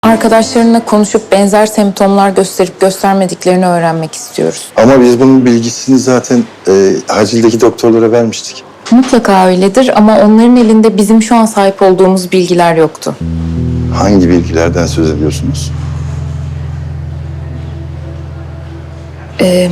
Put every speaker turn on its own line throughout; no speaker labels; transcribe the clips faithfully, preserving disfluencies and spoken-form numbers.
Arkadaşlarınla konuşup benzer semptomlar gösterip göstermediklerini öğrenmek istiyoruz.
Ama biz bunun bilgisini zaten e, acildeki doktorlara vermiştik.
Mutlaka öyledir ama onların elinde bizim şu an sahip olduğumuz bilgiler yoktu.
Hangi bilgilerden söz ediyorsunuz?
Ee,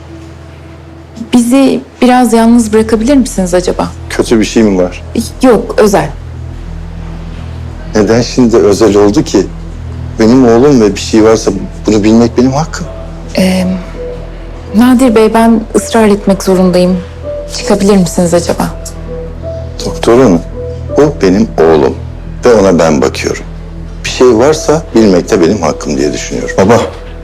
bizi biraz yalnız bırakabilir misiniz acaba?
Kötü bir şey mi var?
Yok, özel.
Neden şimdi özel oldu ki? Benim oğlum ve bir şey varsa bunu bilmek benim hakkım.
Ee, Nadir Bey, ben ısrar etmek zorundayım. Çıkabilir misiniz acaba?
Doktor hanım, o benim oğlum ve ona ben bakıyorum. Bir şey varsa bilmek de benim hakkım diye düşünüyorum.
Baba.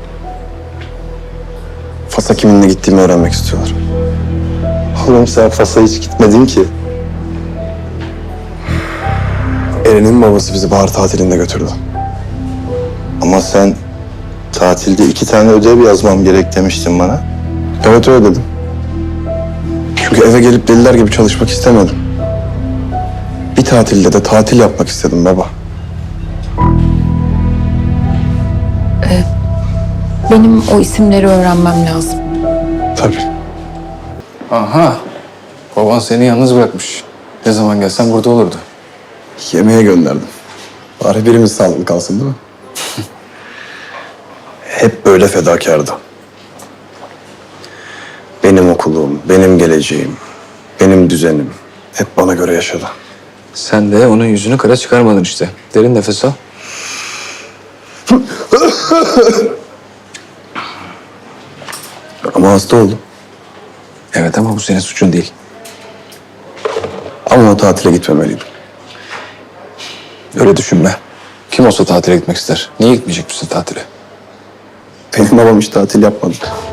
Fas'a kiminle gittiğimi öğrenmek istiyorlar.
Oğlum sen Fas'a hiç gitmedin ki.
Eren'in babası bizi bahar tatilinde götürdü.
Ama sen tatilde iki tane ödev yazmam gerek demiştin bana.
Evet öyle dedim. Çünkü eve gelip deliler gibi çalışmak istemedim. Bir tatilde de tatil yapmak istedim baba.
Benim o isimleri öğrenmem lazım.
Tabii.
Aha. Baban seni yalnız bırakmış. Ne zaman gelsen burada olurdu.
Yemeğe gönderdim. Bari birimiz sağlıklı kalsın değil mi? Hep böyle fedakardı. Benim okulum, benim geleceğim, benim düzenim. Hep bana göre yaşadı.
Sen de onun yüzünü kara çıkarmadın işte. Derin nefes al.
Ama hasta oldum.
Evet ama bu senin suçun değil.
Ama o tatile gitmemeliydim.
Öyle düşünme. Kim olsa tatile gitmek ister. Niye gitmeyecek misin tatile?
Benim babam hiç tatil yapmadı.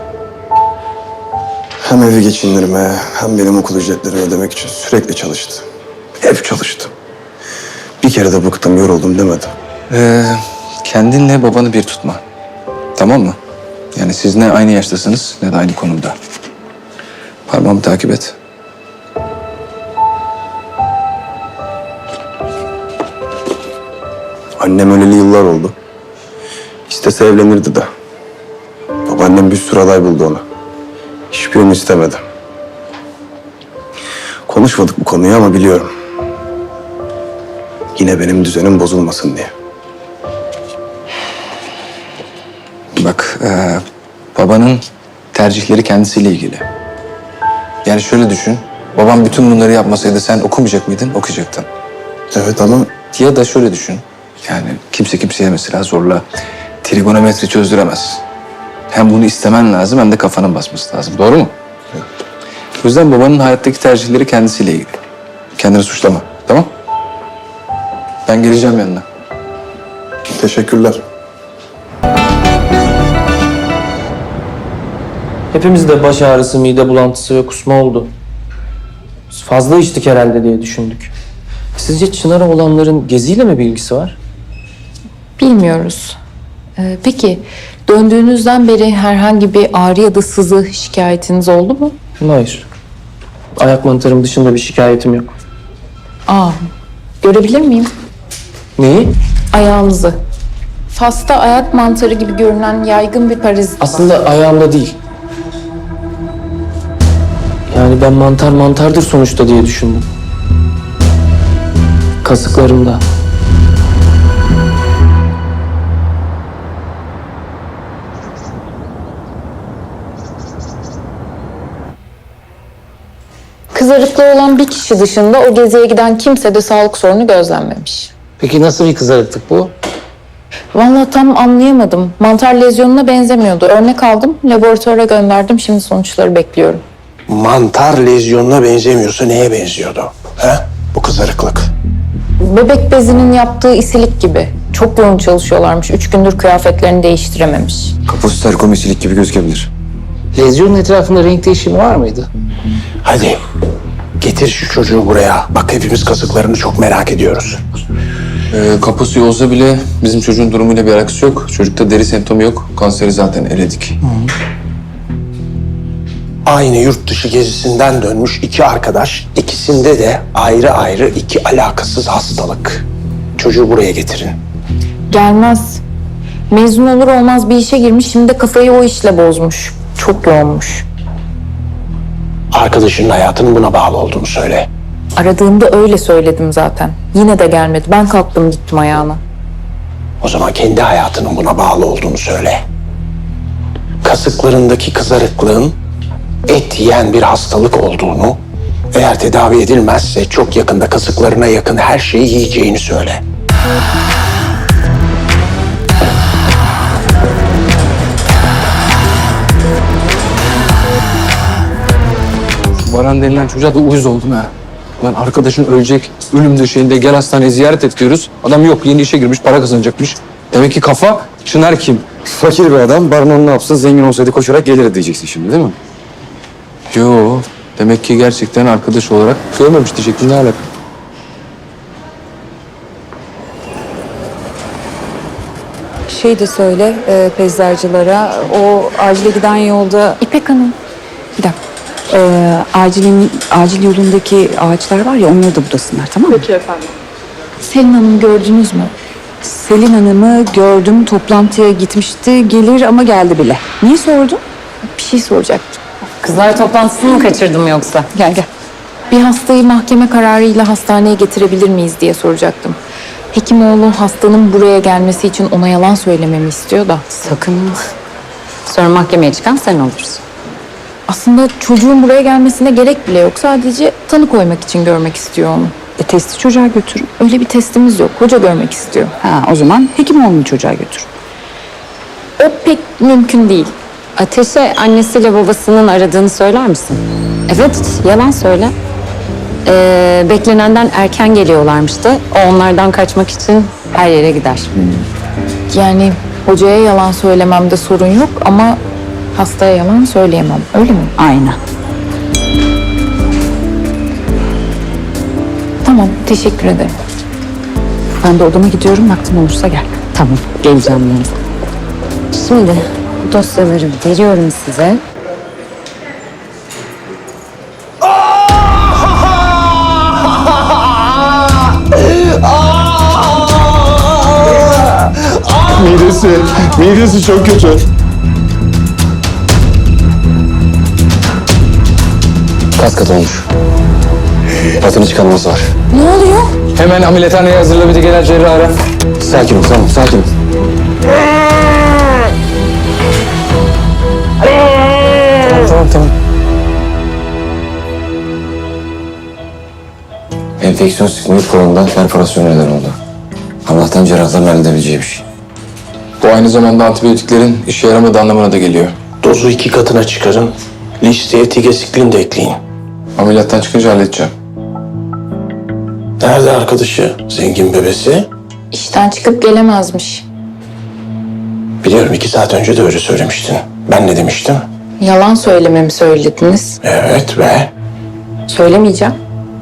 Hem evi geçindirme hem benim okul ücretlerini ödemek için sürekli çalıştı. Hep çalıştı. Bir kere de bıktım, yoruldum demedi.
Ee, kendinle babanı bir tutma. Tamam mı? Yani siz ne aynı yaştasınız ne de aynı konumda. Parmağımı takip et.
Annem öleli yıllar oldu. İstese evlenirdi de. Babaannem bir sürü aday buldu ona. Hiçbirini istemedi. Konuşmadık bu konuyu ama biliyorum. Yine benim düzenim bozulmasın diye.
Bak, ee, babanın tercihleri kendisiyle ilgili. Yani şöyle düşün. Babam bütün bunları yapmasaydı sen okumayacak mıydın? Okuyacaktın.
Evet ama
Ya da şöyle düşün. Yani kimse kimseye mesela zorla trigonometri çözdüremez. Hem bunu istemen lazım hem de kafanın basması lazım. Doğru mu? Evet. O yüzden babanın hayattaki tercihleri kendisiyle ilgili. Kendini suçlama. Tamam? Ben geleceğim yanına.
teşekkürler.
Hepimizde baş ağrısı, mide bulantısı ve kusma oldu. Biz fazla içtik herhalde diye düşündük. Sizce Çınar'a olanların Gezi'yle mi bir ilgisi var?
Bilmiyoruz. Ee, peki, döndüğünüzden beri herhangi bir ağrı ya da sızı şikayetiniz oldu mu?
Hayır. Ayak mantarım dışında bir şikayetim yok.
Aa, görebilir miyim?
Neyi?
Ayağınızı. Fas'ta ayak mantarı gibi görünen yaygın bir parazit var.
Aslında ayağımda değil. Yani ben mantar mantardır sonuçta diye düşündüm. Kasıklarımda.
Kızarıklığı olan bir kişi dışında o geziye giden kimse de sağlık sorunu gözlenmemiş.
Peki nasıl bir kızarıklık bu?
Vallahi tam anlayamadım. Mantar lezyonuna benzemiyordu. Örnek aldım, laboratuvara gönderdim. Şimdi sonuçları bekliyorum.
Mantar lezyonuna benzemiyorsa neye benziyordu? He? Bu kızarıklık.
Bebek bezinin yaptığı isilik gibi. Çok yoğun çalışıyorlarmış. Üç gündür kıyafetlerini değiştirememiş.
Kapositel komisilik gibi gözükebilir.
Lezyonun etrafında renk değişimi var mıydı?
Hadi getir şu çocuğu buraya. Bak hepimiz kasıklarını çok merak ediyoruz.
Ee, kaposu olsa bile bizim çocuğun durumuyla bir alakası yok. Çocukta deri semptomu yok. Kanseri zaten eledik.
Aynı yurt dışı gezisinden dönmüş iki arkadaş. İkisinde de ayrı ayrı iki alakasız hastalık. Çocuğu buraya getirin.
Gelmez. Mezun olur olmaz bir işe girmiş, şimdi de kafayı o işle bozmuş. Çok yoğunmuş.
Arkadaşının hayatının buna bağlı olduğunu söyle.
Aradığımda öyle söyledim zaten. Yine de gelmedi. Ben kalktım gittim ayağına.
O zaman kendi hayatının buna bağlı olduğunu söyle. Kasıklarındaki kızarıklığın et yiyen bir hastalık olduğunu, eğer tedavi edilmezse çok yakında kasıklarına yakın her şeyi yiyeceğini söyle.
Baran denilen çocuğa da uyuz oldum ha. Lan arkadaşın ölecek, ölüm döşeğinde gel hastaneye ziyaret et diyoruz. Adam yok, yeni işe girmiş, para kazanacakmış. Demek ki kafa, Çınar kim?
Fakir bir adam. Baron ne yapsın? Zengin olsaydı koşarak gelir diyeceksin şimdi değil mi?
Yo, demek ki gerçekten arkadaş olarak görmemiş diyecektim, ne alaka?
Şey de söyle e, peyzajcılara, o acile giden yolda,
İpek Hanım.
bir dakika, e, acilin, acil yolundaki ağaçlar var ya, onları da budasınlar, tamam mı?
Selin Hanım gördünüz mü?
Selin Hanım'ı gördüm, toplantıya gitmişti, gelir ama geldi bile. Niye sordun?
Bir şey soracaktım.
Kızlar toplantısını mı kaçırdım yoksa?
Gel gel.
Bir hastayı mahkeme kararıyla hastaneye getirebilir miyiz diye soracaktım. Hekimoğlu hastanın buraya gelmesi için ona yalan söylememi istiyor da.
Sakın. Sonra mahkemeye çıkan sen olursun.
Aslında çocuğun buraya gelmesine gerek bile yok. Sadece tanı koymak için görmek istiyor onu.
E, testi çocuğa götürün.
Öyle bir testimiz yok. Hoca görmek istiyor.
Ha, o zaman Hekimoğlu'nu çocuğa götür.
O pek mümkün değil.
Ateş'e annesiyle babasının aradığını söyler misin? Evet, yalan söyle. Ee, beklenenden erken geliyorlarmıştı. O onlardan kaçmak için her yere gider.
Yani hocaya yalan söylememde sorun yok ama hastaya yalan söyleyemem. Öyle mi?
Aynen.
Tamam, teşekkür ederim.
Ben de odama gidiyorum, vaktin olursa gel.
Tamam, geleceğim yarın. Şimdi bu dosyaları veriyorum size.
Midesi, midesi çok kötü.
Kas kat olmuş. Patını çıkarması var.
Ne oluyor?
Hemen ameliyathaneye hazırla, bir de gelen cerrahı ara.
Sakin ol, tamam, sakin ol.
Tamam, tamam, tamam.
Enfeksiyon sigmoid kolondan perforasyon neden oldu. Allah'tan cerrahların halledebileceği bir şey.
Bu aynı zamanda antibiyotiklerin işe yaramadığı anlamına da geliyor.
Dozu iki katına çıkarın. Listeye tigesiklin de ekleyin.
Ameliyattan çıkınca halledeceğim.
Nerede arkadaşı? Zengin bebesi?
İşten çıkıp gelemezmiş.
Biliyorum, iki saat önce de öyle söylemiştin. Ben ne demiştim?
Yalan söylememi söylediniz.
Evet ve
Söylemeyeceğim.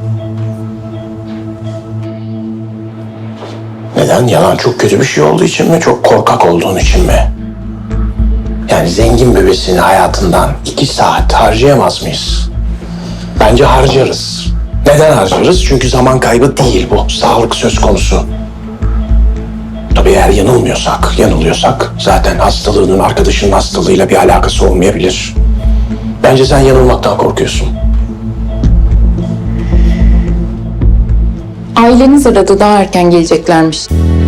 neden? Yalan çok kötü bir şey olduğu için mi? Çok korkak olduğun için mi? Yani zengin bebesini hayatından iki saat harcayamaz mıyız? Bence harcarız. Neden harcarız? Çünkü zaman kaybı değil bu. Sağlık söz konusu. Tabii eğer yanılmıyorsak, yanılıyorsak zaten hastalığının arkadaşının hastalığıyla bir alakası olmayabilir. Bence sen yanılmaktan korkuyorsun.
Aileniz aradı, daha erken geleceklermiş.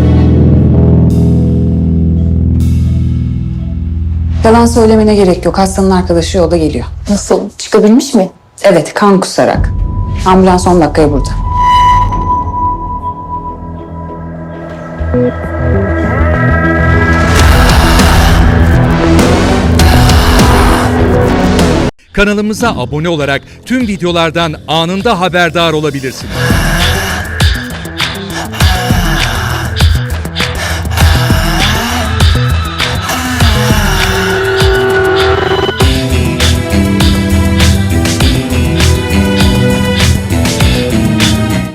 Yalan söylemene gerek yok. Hastanın arkadaşı yolda geliyor.
Nasıl? Çıkabilmiş mi?
Evet, kan kusarak. Ambulans on dakikaya burada.
Kanalımıza abone olarak tüm videolardan anında haberdar olabilirsiniz.